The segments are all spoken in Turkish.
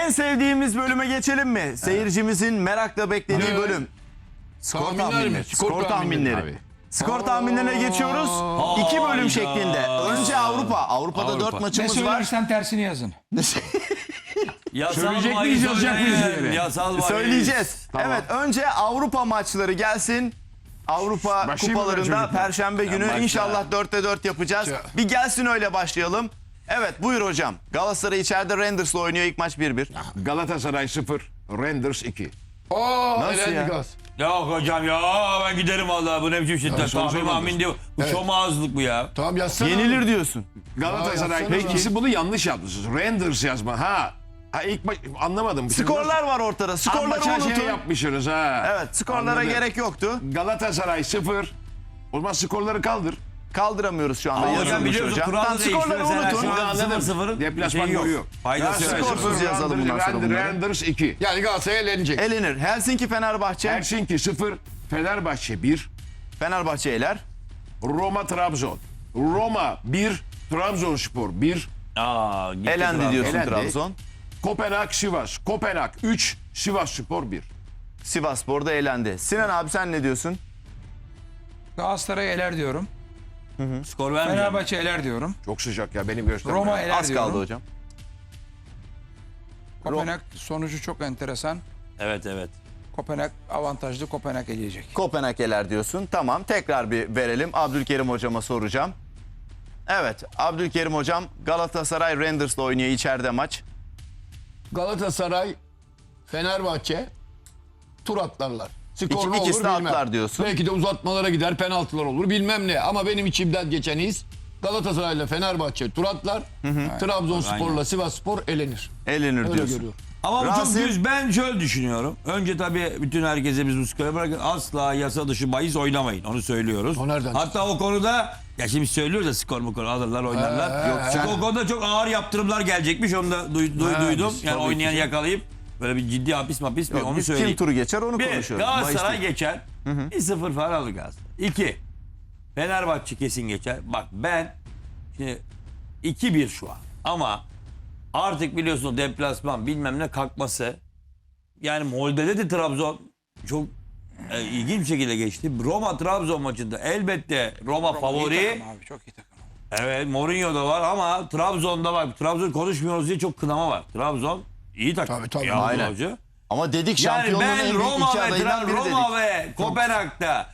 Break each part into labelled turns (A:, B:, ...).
A: En sevdiğimiz bölüme geçelim mi? Seyircimizin merakla beklediği bölüm. Skor tahminleri. Skor tahminleri. Skor tahminlerine geçiyoruz. 2 bölüm şeklinde. Önce Avrupa. Avrupa'da 4
B: Ne
A: maçımız var.
B: söylersen tersini yazın.
C: Söyleyecek miyiz, yazacak mıyız diye.
D: Yasal
A: Söyleyeceğiz.
C: Tamam.
A: Evet, önce Avrupa maçları gelsin. Avrupa
C: Başlayayım mı
A: kupalarında
C: çocuklar?
A: Perşembe günü
D: başla.
A: inşallah 4'te 4 yapacağız. Bir gelsin öyle başlayalım. Evet, buyur hocam. Galatasaray içeride Rangers'la oynuyor, ilk maç 1-1.
C: Galatasaray 0, Rangers 2.
A: Nasıl ya?
D: Yok hocam ya ben giderim vallahi bu ne biçim şiddet. Tahmin mahmin diyor. Bu şom ağızlık bu ya.
E: Tamam yazsana.
A: Yenilir diyorsun.
C: Galatasaray. Peki siz bunu yanlış yapmışsınız. Rangers yazma. Ha ilk anlamadım.
A: Skorlar var ortada. Skorları unutun.
C: Şey yapmışsınız ha.
A: Evet, skorlara
C: Anladım.
A: gerek yoktu.
C: Galatasaray 0. O zaman skorları kaldır.
A: Kaldıramıyoruz şu anda.
D: Hocam
A: Yazılmış
D: biliyorsun
A: hocam.
D: kuralı
A: Tam
D: değişti.
A: skorları
D: Mesela
A: unutun.
D: şu an
C: Anladım.
D: 0-0
C: Deplasman
D: şey yok.
C: golü yok.
D: Faydası yok.
C: Galatasaray
A: Skorsuz
C: 0,
A: yazalım bundan sonra bunları.
C: Rangers 2.
E: Yani Galatasaray elenecek.
A: Elenir. Helsinki Fenerbahçe.
C: Helsinki 0, Fenerbahçe 1,
A: Fenerbahçe eler.
C: Roma Trabzon. Roma 1, Trabzonspor 1,
D: Aa, gitti
A: Elendi
D: Trabzon.
A: diyorsun
C: Elendi.
A: Trabzon.
C: Kopenhag Sivas. Kopenhag 3, Sivasspor 1.
A: Sivasspor'da elendi. Sinan abi sen ne diyorsun?
B: Galatasaray eler diyorum.
D: Skor vermeyeceğim.
B: Fenerbahçe eler diyorum.
C: Çok sıcak ya benim göstermem.
B: Roma eler
A: Az
B: diyorum.
A: kaldı hocam.
B: Kopenhag sonucu çok enteresan.
D: Evet.
B: Kopenhag avantajlı, Kopenhag eleyecek.
A: Kopenhag eler diyorsun. Tamam, tekrar bir verelim. Abdülkerim hocama soracağım. Evet, Abdülkerim hocam Galatasaray Rangers'la oynuyor içeride maç.
E: Galatasaray, Fenerbahçe tur atlarlar. Skor ne
A: İkisi
E: olur
A: de
E: bilmem.
A: atlar diyorsun.
E: Belki de uzatmalara gider, penaltılar olur bilmem ne. Ama benim içimden geçen his Galatasaray ile Fenerbahçe tur atlar. Trabzonspor'la Sivasspor elenir.
A: Elenir
E: Öyle
A: diyorsun.
E: görüyorum.
D: Ama bu çok
A: Rasim-
D: düz. Ben şöyle düşünüyorum. Önce tabii bütün herkese biz bu skoru bırakın. Asla yasa dışı bahis oynamayın. Onu söylüyoruz.
E: O nereden
D: Hatta o konuda ya şimdi söylüyoruz ya skor mu konu alırlar oynarlar. Yok, çünkü o konuda çok ağır yaptırımlar gelecekmiş. Onu da duydum.
E: biz
D: Yani oynayan yakalayıp böyle bir ciddi hapis mapis mi
A: Yok,
D: onu
A: biz
D: söyleyeyim.
A: kim turu geçer onu
D: Bir,
A: konuşuyoruz.
D: Galatasaray
A: Bahis değil.
D: geçer. 1-0 falan alır Galatasaray. 2. Fenerbahçe kesin geçer. Bak ben şimdi 2-1 şu an. Ama artık biliyorsun deplasman bilmem ne kalkması. Yani Molde'de de Trabzon çok ilginç bir şekilde geçti. Roma-Trabzon maçında elbette Roma
B: İyi
D: favori.
B: takım abi, çok iyi takım.
D: Evet Mourinho da var ama Trabzon'da bak Trabzon konuşmuyoruz diye çok kınama var. Trabzon iyi takım.
E: Tabii,
D: Ya,
A: aynen.
D: hoca.
A: Ama dedik
D: Yani
A: şampiyonluğun en
D: ben
A: büyük
D: Roma
A: iki adayından biri dedik.
D: Roma ve Kopenhag'da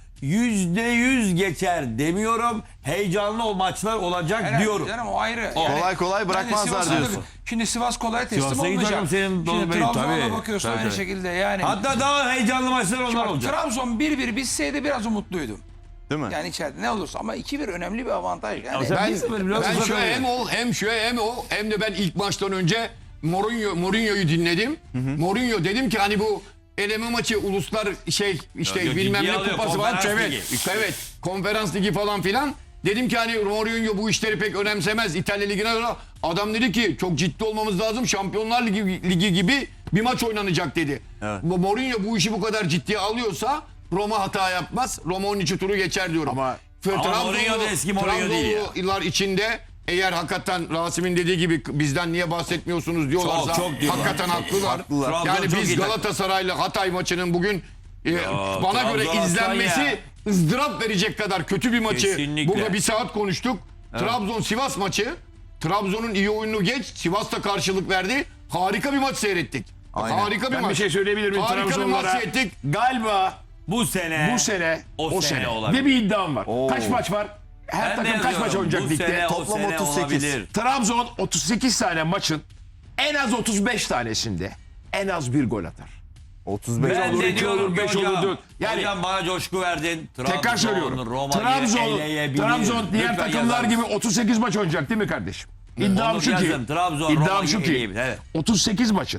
D: %100 geçer demiyorum. Heyecanlı o maçlar olacak
B: Herhalde
D: diyorum.
B: canım, o ayrı.
A: Kolay kolay
B: Yani
A: bırakmazlar
B: Sivas'ın da-
A: diyorsun.
B: Şimdi Sivas kolay teslim
D: Sivas'a
B: olmayacak.
D: giderim senin
B: Şimdi
D: Bey,
B: Trabzon'a
D: tabii.
B: bakıyorsun
D: Tabii,
B: aynı
D: tabii.
B: şekilde yani.
D: Hatta daha heyecanlı maçlar onlar
B: Bak,
D: olacak.
B: Trabzon 1-1 bitseydi biraz umutluydum.
A: Değil mi?
B: Yani içeride ne olursa ama 2-1 önemli bir avantaj. Yani
D: sen
E: Ben,
D: 1-0 biraz
E: ben
D: uzak
E: şöyle
D: oynuyor.
E: hem o hem şu hem o hem de ben ilk maçtan önce Mourinho'yu dinledim. Mourinho dedim ki hani bu eleme maçı uluslar işte
D: Yok,
E: bilmem
D: ciddiye
E: ne
D: alıyor,
E: kupası var.
D: konferans
E: Evet.
D: ligi.
E: Evet. Konferans ligi falan filan. Dedim ki hani Mourinho bu işleri pek önemsemez. İtalya Ligi'ne göre. Adam dedi ki çok ciddi olmamız lazım. Şampiyonlar Ligi gibi bir maç oynanacak dedi.
A: Evet.
E: Bu Mourinho bu işi bu kadar ciddiye alıyorsa Roma hata yapmaz. Roma onun için turu geçer diyorum.
C: Ama
D: Mourinho da eski Mourinho değil ya.
E: Trabzonlular içinde eğer hakikaten Rasim'in dediği gibi bizden niye bahsetmiyorsunuz diyorlarsa
D: Çok diyorlar.
E: hakikaten haklılar.
D: Trabzon
E: Yani
D: çok
E: biz
D: iyi takım.
E: Galatasaray'la Hatay maçının bugün bana
D: Trabzon
E: göre
D: aslan
E: izlenmesi
D: ya.
E: ızdırap verecek kadar kötü bir maçı
D: Kesinlikle.
E: burada bir saat konuştuk. Trabzon-Sivas maçı. Trabzon'un iyi oyununu geç. Sivas da karşılık verdi. Harika bir maç seyrettik.
A: Aynen.
E: Harika bir
C: ben
E: maç.
C: bir şey söyleyebilir miyim
E: Harika bir maç
C: Trabzonlara?
E: seyrettik.
C: Galiba
D: Bu sene
C: bu sene
D: o sene olabilir.
C: ve bir iddiam var.
A: Oo.
C: Kaç maç var? Her
D: Ben de
C: takım kaç maç
D: yazıyorum.
C: oynayacak
D: Bu
C: ligde?
D: sene,
A: Toplam
D: o sene
A: 38.
D: olabilir.
C: Trabzon 38 tane maçın en az 35 tanesinde en az bir gol atar.
A: 35
D: Ben
C: olur,
D: de
C: iki
D: diyorum
C: olur,
D: ki
C: beş
D: hocam,
C: olur, dört. Yani-
D: hocam bana coşku verdin.
C: Tekrar söylüyorum.
D: Roma'yı eleyebilir.
C: Trabzon diğer
D: Lütfen
C: takımlar
D: yazar
C: gibi
D: mısın?
C: 38 maç oynayacak değil mi kardeşim? İddiam
D: Onu
C: şu ki.
D: yazın. Trabzon,
C: iddiam
D: Roma'yı
C: şu ki.
D: eleyebilir, evet.
C: 38 maçın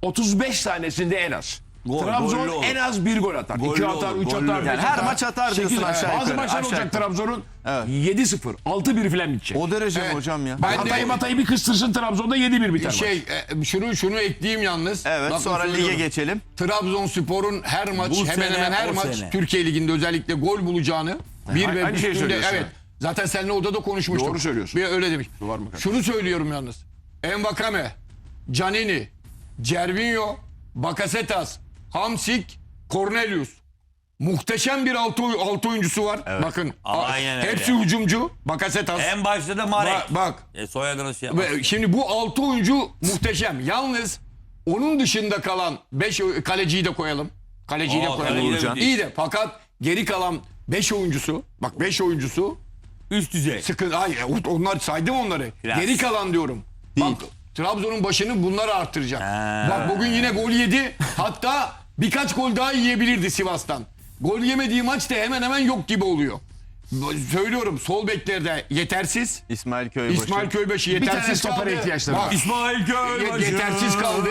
C: 35 tanesinde en az.
D: Gol,
C: Trabzon
D: gollü olur.
C: en az bir gol atar.
D: Gollü
C: 2 atar,
D: olur,
C: 3
D: gollü
C: atar,
D: olur.
C: 5
A: Yani her
C: atar.
A: maç atar diyorsun
C: 8
A: aşağı
C: Bazı
A: yukarı,
C: maçlar
A: aşağı
C: olacak
A: yukarı.
C: Trabzon'un
A: Evet.
C: 7-0, 6-1 falan bitecek.
A: O derece mi
E: Evet.
A: hocam ya?
E: Ben de-
C: Hatay'ı bir kıstırsın Trabzon'da 7-1 biter maç.
E: Şunu ekleyeyim yalnız.
A: Evet,
E: Bakın
A: sonra lige
E: söylüyorum.
A: geçelim.
E: Trabzonspor'un her maç
D: Bu
E: hemen
D: sene,
E: hemen her
D: o
E: maç
D: sene.
E: Türkiye Ligi'nde özellikle gol bulacağını bir ve
C: aynı şeyi
E: üstünde
C: söylüyorsun.
E: evet. Zaten seninle odada konuşmuştuk.
C: Doğru söylüyorsun.
E: Bir öyle demiş.
C: Var mı kardeşim?
E: Şunu söylüyorum yalnız. Envakame, Canini, Cervinho, Bakasetas, Hamsik, Cornelius. Muhteşem bir altı oyuncusu var. Bakın
D: Aynen öyle.
E: hepsi hücumcu. Bakasetas.
D: En başta da Marek.
E: Bak.
D: Soyadını şey
E: Ve şimdi bu 6 oyuncu muhteşem. Yalnız onun dışında kalan 5 kaleciyi de koyalım. Kaleciyi de koyalım.
D: kaleci de
E: İyi de fakat geri kalan 5 oyuncusu, bak 5 oyuncusu
D: üst düzey.
E: sıkıntı. Hayır, onlar saydım onları.
D: Biraz.
E: Geri kalan diyorum. Bak Trabzon'un başını bunlar arttıracak. Bak bugün yine gol yedi. Hatta birkaç gol daha yiyebilirdi Sivas'tan. Gol yemediği maç da hemen hemen yok gibi oluyor. Söylüyorum, sol beklerde yetersiz.
A: İsmail Köybaşı.
E: İsmail Köybaşı
C: Bir tane
E: yetersiz kaldı.
C: stopere ihtiyaçları var.
E: Bak,
D: İsmail Köybaşı.
E: Yetersiz kaldı.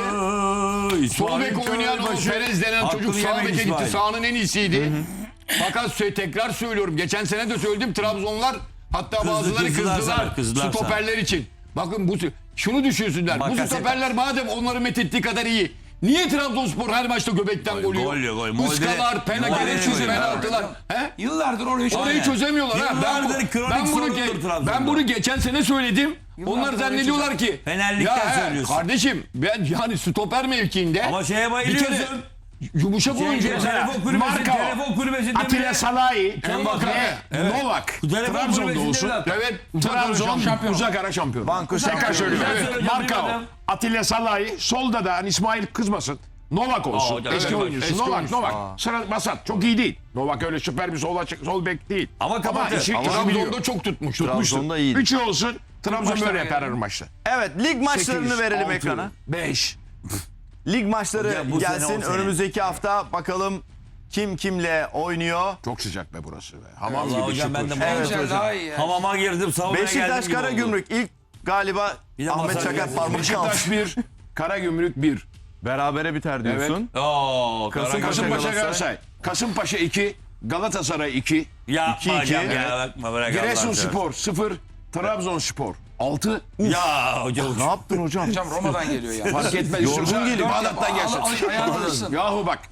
E: Sol bek oynayan o Perez denen çocuk
D: Hakkını
E: sağ
D: yemeyin
E: beke gitti.
D: İsmail.
E: Sahanın en iyisiydi. Fakat tekrar söylüyorum. Geçen sene de söyledim. Trabzonlar hatta bazıları
D: kızdılar
E: kızdılar.
D: sana, kızdılar
E: Stoperler için. Bakın şunu düşünsünler. Bu
D: Bakasetas.
E: stoperler madem onları methettiği kadar iyi. Niye Trabzonspor her maçta göbekten gol yiyor?
D: Gol yiyor, gol.
E: Iskalar,
D: Molde-
E: gereksiz
D: Molde-
E: penaltılar. He?
B: Yıllardır orayı
E: Orayı çözemiyorlar ha.
D: Yıllardır kronik sorundur Trabzon'da.
E: Ben bunu geçen sene söyledim. Onlar
B: orayı
E: zannediyorlar ki
D: Fenerlikten
E: ya
D: söylüyorsun.
E: Kardeşim ben yani stoper mevkiinde
D: Ama şeye
E: bir kere
D: bayılıyorsun.
E: yumuşak oyuncu.
D: Telefon kulübesinde
C: Atilla
D: bile-
C: Salahi,
E: Mbakare.
C: Novak,
D: Telefon
C: Trabzon'da
D: kulübesinde
C: olsun.
D: bile-
E: Evet.
C: Trabzon uzak ara şampiyon.
A: Banko
C: Tekrar
A: şampiyon.
C: söylüyorum.
D: Ben
C: Evet.
D: söyleyeceğim,
C: Marka
D: bilmeden.
C: Atilla Salahi, solda da hani İsmail kızmasın. Novak olsun.
D: hocam,
C: Eski
D: evet,
C: oyuncusu.
E: eski
C: Novak,
E: oyuncusu.
C: Novak. Sıra Basat. Çok iyi değil. Novak öyle süper bir sol bek değil.
D: Ama kapatır.
C: işi biliyor.
E: Trabzon'da çok tutmuş.
A: Trabzon'da iyiydi.
C: Üçü olsun. Trabzon
B: maçlar
C: böyle yapar her
B: yani.
C: maçta.
A: Evet, lig maçlarını
C: 8,
A: verelim
C: 6,
A: ekrana.
C: 5.
A: Lig maçları
D: Hocam bu sene,
A: gelsin
D: o sene.
A: önümüzdeki hafta, bakalım kim kimle oynuyor.
C: Çok sıcak be burası be. Hamam
D: Allah
C: gibi
D: hocam, ben de
C: şıpır.
A: Evet
B: Güzel,
A: hocam.
B: daha iyi ya.
D: Hamama girdim, savunmaya geldim
A: Beşiktaş
D: gibi oldu.
A: Karagümrük ilk galiba
D: Bir de
A: Ahmet
D: masaj
A: Çakar
D: geldi.
A: parmak aldı.
C: Beşiktaş 1, Karagümrük 1.
A: Berabere biter diyorsun.
D: Oo,
A: Kasımpaşa
C: Kasımpaşa
A: Galatasaray.
C: Galatasaray. Kasımpaşa 2, Galatasaray 2.
D: Yapma
A: 2-2,
D: hocam
A: evet.
D: ya, bakma bırak Allah'ını
C: Giresunspor 0, Trabzonspor 6.
D: seversen. Ya hocam.
A: Ne yaptın hocam?
B: Hocam Roma'dan geliyor ya.
C: Fark etmez.
A: Yorgun
C: İstiyorsan
A: geliyor.
C: Bağdat'tan gelsin.
B: Ayağını alışsın.
C: Yahu bak.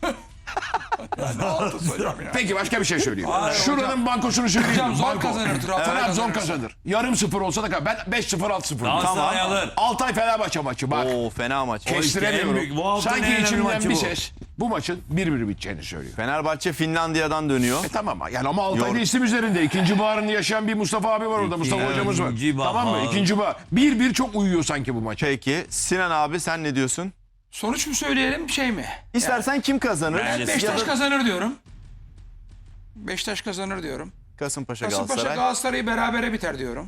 C: Peki başka bir şey söyleyeyim. Şuranın bankosunu söyleyeyim.
B: Hocam zor
C: Banko.
B: kazanır Trabzon.
C: Trabzon kazanır. Yarım 0 olsa da ben 5-0 6-0.
D: Galatasaray alır.
C: Altay Fenerbahçe maçı bak.
A: Oo, fena maç.
D: en
C: Kestiremiyorum.
D: büyük, bu haftanın en
C: Sanki
D: önemli
C: içimden
D: maçı
C: bir
D: bu.
C: ses bu maçın 1-1 biteceğini söylüyor.
A: Fenerbahçe Finlandiya'dan dönüyor.
C: Tamam yani ama Altay'da isim üzerinde. İkinci baharını yaşayan bir Mustafa abi var orada. Mustafa hocamız var.
D: İkinci bahar.
C: Tamam mı? İkinci bahar. 1-1 çok uyuyor sanki bu maça.
A: Peki Sinan abi sen ne diyorsun?
B: Sonuç mu söyleyelim şey mi?
A: İstersen kim kazanır?
D: Bence
A: Ya
B: Beşiktaş
A: da
B: kazanır diyorum. Beşiktaş kazanır diyorum.
A: Kasımpaşa
B: Kasımpaşa
A: Galatasaray,
B: Galatasaray'ı berabere biter diyorum.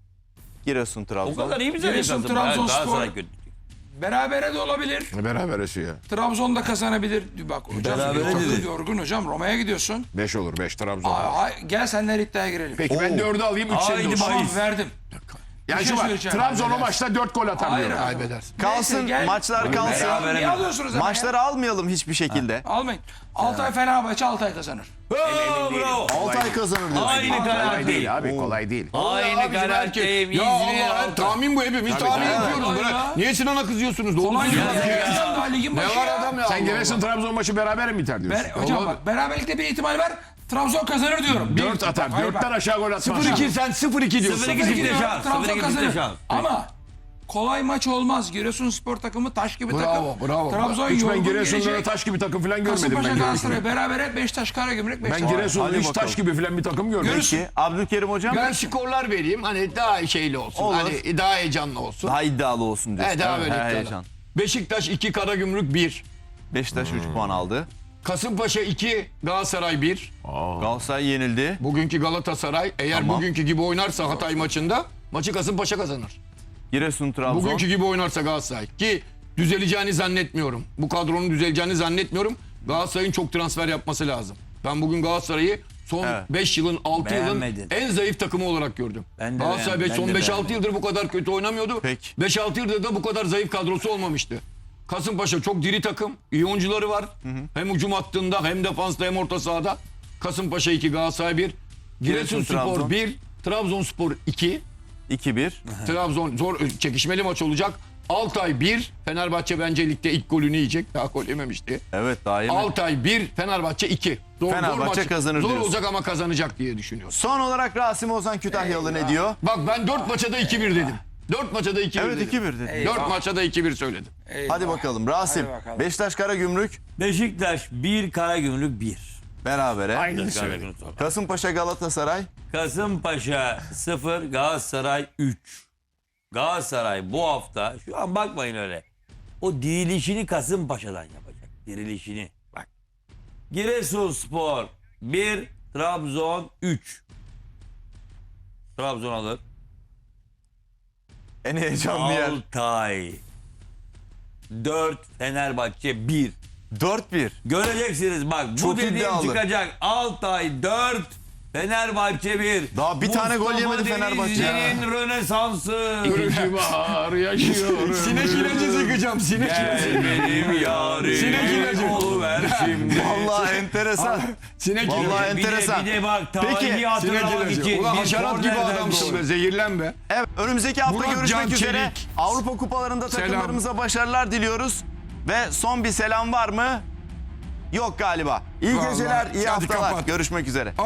A: Giresun
D: O
A: Trabzon.
D: kadar iyi mi
B: Giresun,
D: Kasımpaşa?
B: Trabzonspor.
D: Galatasaray kötü.
B: Berabere de olabilir.
C: Beraber ya.
B: Trabzon da kazanabilir. Bak hocam
D: Berabere
B: takım
D: dedi.
B: yorgun hocam. Roma'ya gidiyorsun.
C: 5 olur 5 Trabzon.
B: Gel senler iddiaya girelim.
C: Peki ben 4'ü alayım 3
D: Haydi
C: senin olsun.
B: Tamam
D: bahis.
B: verdim.
C: Yani
B: Bir
C: şu
B: şey
C: var.
B: söyleyeceğim.
C: Trabzon o
B: Kaybedersin.
C: maçta 4 gol atar
B: Hayır
C: diyorum.
B: abi.
C: Kaybedersin.
A: Kalsın,
B: Neyse, gel.
A: maçlar kalsın.
D: Berabere
B: Niye
D: mi?
B: alıyorsunuz ama
A: Maçları almayalım hiçbir şekilde.
B: ya? Almayın. Altay Fenerbahçe Altay kazanır.
D: Bravo.
A: Altay kazanır diyorsun.
D: Aynı karar
C: Kolay değil
D: değil.
C: abi kolay değil.
D: Aynı karar değil.
E: Ya Allah tahmin bu hepimiz tahmin yapıyoruz.
B: Kolay
E: Bırak.
B: ya.
E: Niye Sinan'a kızıyorsunuz? Doğru
B: Kolay
E: söylüyor.
B: ya. Daha ligin
E: Ne
B: başı
E: var
B: ya.
E: adam ya?
C: Sen
E: Allah
C: Giresun
E: Allah.
C: Trabzon maçı beraber mi biter diyorsun?
B: Hocam bak beraberlikte bir ihtimal var. Trabzon kazanır diyorum.
C: 4 atar.
B: Hayır,
C: 4'ten
B: bak.
C: aşağı gol atmaz.
E: 0-2 sen 0-2 diyorsun.
D: 0-2
B: 0-2
D: diyorum.
B: diyorum, Trabzon
D: 0-2
B: kazanır.
D: şans.
B: Ama kolay maç olmaz. Giresunspor takımı taş gibi
E: Bravo,
B: takım.
E: bravo.
B: Trabzon
C: Hiç ben
B: yorgun
C: Giresun'da
B: gelecek.
C: taş gibi takım falan görmedim
B: Kasımpaşa
C: ben.
B: Galatasaray berabere Beşiktaş Karagümrük
C: Ben
B: Beşiktaş.
C: Giresun'da
A: Hadi
C: hiç
A: bakalım.
C: taş gibi falan bir takım görmedim.
A: Peki Abdülkerim hocam
E: Ben skorlar vereyim. Hani daha şeyli olsun.
A: Olur.
E: Hani daha heyecanlı olsun.
A: daha iddialı olsun diyorsun.
E: Daha
A: Evet,
E: böyle
A: her
E: iddialı.
A: heyecan.
E: Beşiktaş 2, Karagümrük 1.
A: Beşiktaş 3 puan aldı.
E: Kasımpaşa 2, Galatasaray 1.
A: Galatasaray yenildi.
E: Bugünkü Galatasaray eğer
A: Tamam.
E: bugünkü gibi oynarsa Hatay maçında maçı Kasımpaşa kazanır.
A: Giresun Trabzon.
E: Bugünkü gibi oynarsa Galatasaray ki düzeleceğini zannetmiyorum. Bu kadronun düzeleceğini zannetmiyorum. Galatasaray'ın çok transfer yapması lazım. Ben bugün Galatasaray'ı son
A: Evet.
E: 5 yılın 6 yılın
D: Beğenmedin.
E: en zayıf takımı olarak gördüm.
D: Ben de
E: Galatasaray
D: beğenmedim,
E: son
D: ben de
E: 5-6
D: beğenmedim.
E: yıldır bu kadar kötü oynamıyordu.
A: Peki.
E: 5-6 yıldır da bu kadar zayıf kadrosu olmamıştı. Kasımpaşa çok diri takım. İyi oyuncuları var. Hem hücum hattında hem defansta hem orta sahada. Kasımpaşa 2, Galatasaray 1. Giresunspor
A: Trabzon.
E: 1, Trabzonspor 2.
A: 2-1.
E: Trabzon zor çekişmeli maç olacak. Altay 1, Fenerbahçe bence ligde ilk golünü yiyecek. Daha gol yememişti.
A: Evet daha iyi mi?
E: Altay 1, Fenerbahçe 2.
A: Fenerbahçe kazanır
E: Zor
A: diyorsun.
E: olacak ama kazanacak diye düşünüyorum.
A: Son olarak Rasim Ozan Kütahyalı ne diyor?
E: Bak ben 4 maça da 2-1 dedim. 4 maça da 2-1
A: Evet
E: dedim.
A: 2-1 dedi.
E: 4 maça da 2-1 söyledim.
A: Hadi bakalım Rasim.
B: Hadi bakalım.
A: Beşiktaş Karagümrük
D: Beşiktaş 1, Karagümrük 1.
A: berabere.
E: Aynı söyledim.
D: Karagümrük sonra.
A: Kasımpaşa Galatasaray.
D: Kasımpaşa 0, Galatasaray 3. Galatasaray bu hafta, şu an bakmayın öyle. O dirilişini Kasımpaşa'dan yapacak. Dirilişini. Bak. Giresunspor 1, Trabzon 3. Trabzon alır.
A: En heyecanlı yer.
D: Altay 4, Fenerbahçe 1.
A: 4-1.
D: Göreceksiniz bak, bu
A: Çok
D: dediğim
A: iddialı.
D: çıkacak. Altay 4, Fenerbahçe 1.
A: Daha bir tane gol yemedi Fenerbahçe.
D: Denizli'nin rönesansı.
E: Görücü var yaşıyorum. Sinek ilacı sıkacağım. Sinek ilacı.
D: Gel benim yarim.
E: Sinek ilacı.
D: Oluver şimdi.
A: Vallahi enteresan.
E: Sinek
A: Vallahi
E: ilacı.
A: enteresan.
D: Bir de bak
A: Peki,
D: tarihi
E: Sinek
D: hatırlamak
E: ilacı.
D: için.
E: Ulan
D: bir
E: haşerat gibi
D: kornerden
E: adamsın
D: gol.
E: be. Zehirlen be.
A: Evet, önümüzdeki hafta
E: Murat
A: görüşmek
E: Can
A: üzere.
E: Çelik.
A: Avrupa kupalarında
E: Selam.
A: takımlarımıza başarılar diliyoruz. Ve son bir selam var mı? Yok galiba. İyi
E: Vallahi.
A: geceler, iyi
E: Hadi
A: haftalar.
E: kapat.
A: Görüşmek üzere.